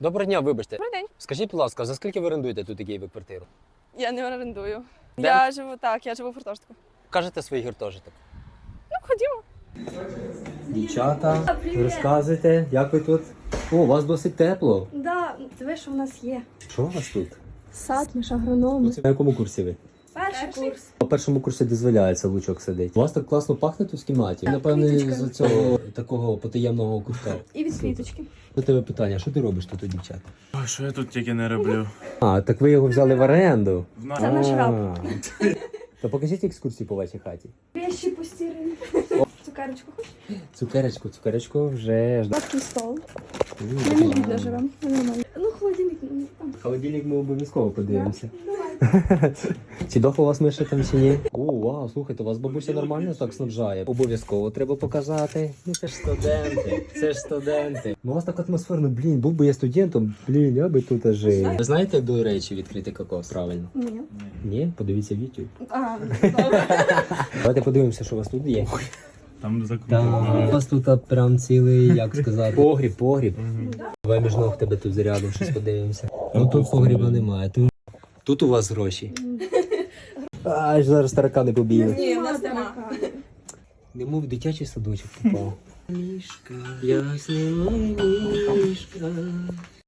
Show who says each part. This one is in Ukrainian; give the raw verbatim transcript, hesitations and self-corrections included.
Speaker 1: Доброго дня, вибачте.
Speaker 2: Добрий день.
Speaker 1: Скажіть, будь ласка, за скільки ви орендуєте тут у Києві квартиру?
Speaker 2: Я не орендую.
Speaker 1: Де?
Speaker 2: Я живу так, я живу в гуртожитку.
Speaker 1: Кажете свій гуртожиток.
Speaker 2: Ну, ходімо.
Speaker 1: Дівчата, розказуйте, як ви тут? О, у вас досить тепло.
Speaker 3: Да, диви, що в нас є.
Speaker 1: Що у вас тут?
Speaker 3: Сад, між агрономи.
Speaker 1: На якому курсі ви?
Speaker 3: Перший курс.
Speaker 1: На першому курсі дозволяється лучок сидить. У вас так класно пахне тут в кімнаті. Напевно,
Speaker 3: квіточками.
Speaker 1: з цього такого потаємного кутка.
Speaker 3: І від квіточки.
Speaker 1: До тебе питання, що ти робиш тут у дівчат?
Speaker 4: Ой, що я тут тільки не роблю?
Speaker 1: А, так ви його взяли в оренду.
Speaker 4: В нас
Speaker 3: Це наш раб.
Speaker 1: А. То покажіть екскурсії по вашій хаті.
Speaker 3: Вещі постірані. Цукерочку хочеш?
Speaker 1: Цукерочку, цукерочку вже жда.
Speaker 3: Такий стол. Ми не бідно живемо. Нормально. Ну, холодильник ну, там.
Speaker 1: Холодильник ми обов'язково подивимося.
Speaker 3: Давай.
Speaker 1: Чи дохло у вас миша там чи ні? О, вау, слухайте, у вас бабуся нормально так снабжає. Обов'язково треба показати. Ну це ж студенти, це ж студенти. Ну, у вас так атмосферно, блін, був би я студентом, блін, я би тут жив. Ви знаєте, як до речі відкрити кокос, правильно?
Speaker 3: Ні.
Speaker 1: Ні? Подивіться в YouTube.
Speaker 3: А, добре.
Speaker 1: Давайте подивимося, що у вас тут є.
Speaker 4: Там
Speaker 1: Так,
Speaker 4: закрутили.
Speaker 1: у вас тут прям цілий, як сказати, погріб, погріб. Давай між ног тебе тут зарядом щось подивимося. Ну тут погріба немає. Тут, тут у вас гроші. Аж зараз таракани побігли.
Speaker 2: Ні, в нас нема.
Speaker 1: Немов в дитячий садочок попав. Мішка, ясний мішка.